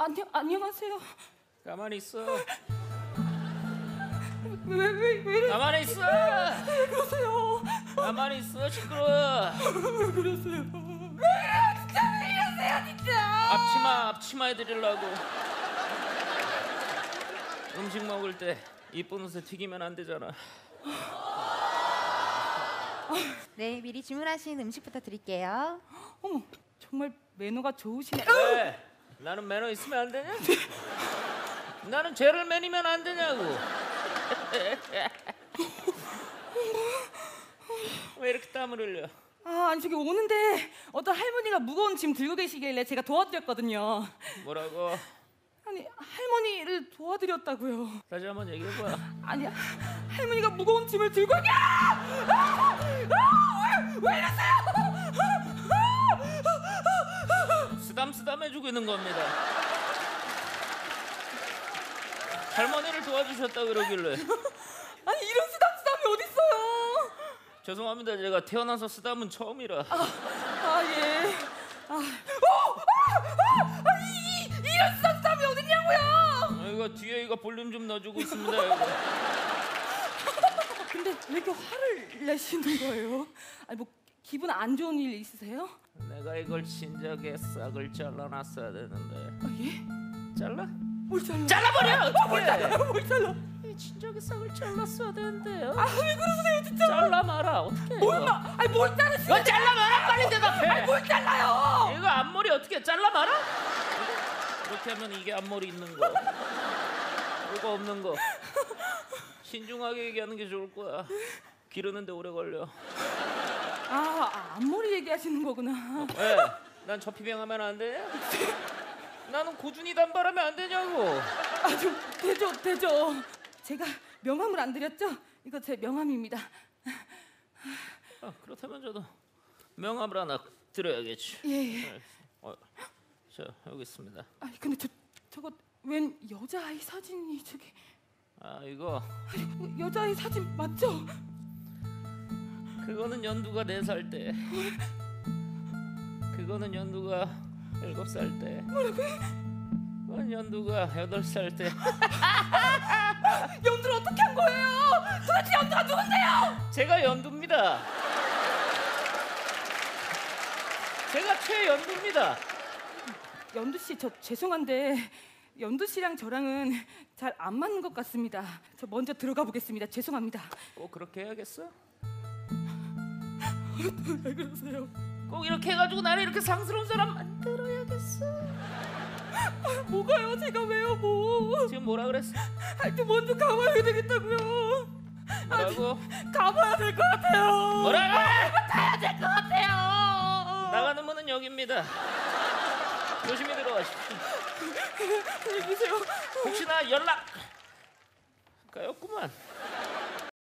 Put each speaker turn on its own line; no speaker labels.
안녕하세요.
가만히 있어.
왜 이래?
가만히 있어.
왜 그러세요?
가만히 있어. 시끄러워.
왜 그러세요? 왜 이래요? 진짜 왜 이러세요 진짜?
앞치마 해드리려고. 음식 먹을 때 이쁜 옷에 튀기면 안 되잖아.
네, 미리 주문하신 음식부터 드릴게요.
어머, 정말 매너가 좋으시네.
왜? 나는 매너 있으면 안 되냐? 나는 죄를 매니면 안 되냐고. 왜 이렇게 땀을 흘려?
아니 저기 오는데 어떤 할머니가 무거운 짐 들고 계시길래 제가 도와드렸거든요.
뭐라고?
아니 할머니를 도와드렸다고요.
다시 한번 얘기해봐.
아니 할머니가 무거운 짐을 들고 왜 이러세요?
쓰담쓰담 해주고 있는 겁니다. 할머니를 도와주셨다 그러길래.
아니 이런 쓰담쓰담이 어딨어요?
죄송합니다. 제가 태어나서 쓰담은 처음이라.
예. 이런 쓰담쓰담이 어딨냐고요?
이거 뒤에 이거 볼륨 좀 넣어주고 있습니다. 이거.
근데 왜 이렇게 화를 내시는 거예요? 아니 뭐 기분 안 좋은 일 있으세요?
내가 이걸 진작에 싹을 잘라놨어야 되는데.
예?
잘라?
뭘 잘라?
잘라버려! 어떡해!
뭘 잘라?
진작에 싹을 잘랐어야 되는데요.
왜 그러세요 진짜?
잘라 마라. 어떡해?
뭘 자르시는?
이거 잘라 마라. 빨리 대답해.
뭘 잘라요?
이거 앞머리 어떻게 잘라 마라? 이렇게 하면 이게 앞머리 있는 거. 이거 없는 거. 신중하게 얘기하는 게 좋을 거야. 기르는데 오래 걸려.
앞머리 얘기하시는 거구나.
왜? 난 저피병하면 안 돼? 나는 고준이 단발하면 안 되냐고.
좀 되죠. 제가 명함을 안 드렸죠? 이거 제 명함입니다.
그렇다면 저도 명함을 하나 드려야겠지.
예.
자, 여기 있습니다.
근데 저거 웬 여자아이 사진이 저기?
이거
여자아이 사진 맞죠?
그거는 연두가 4살 때. 그거는 연두가 7살 때.
뭐라고요?
그건 연두가 8살 때.
연두를 어떻게 한 거예요? 도대체 연두가 누군데요?
제가 연두입니다. 제가 최연두입니다.
연두 씨, 저 죄송한데 연두 씨랑 저랑은 잘 안 맞는 것 같습니다. 저 먼저 들어가 보겠습니다. 죄송합니다.
꼭 그렇게 해야겠어?
왜 그러세요?
꼭 이렇게 해가지고 나를 이렇게 상스러운 사람 만들어야겠어?
뭐가요? 제가 왜요 뭐?
지금 뭐라 그랬어?
하여튼 먼저 가봐야 되겠다고요.
뭐라고?
가봐야 될 것 같아요.
뭐라고?
가야 될 것 같아요.
나가는 문은 여기입니다. 조심히 들어가십시오.
안녕히 계세요.
혹시나 연락 가였구만.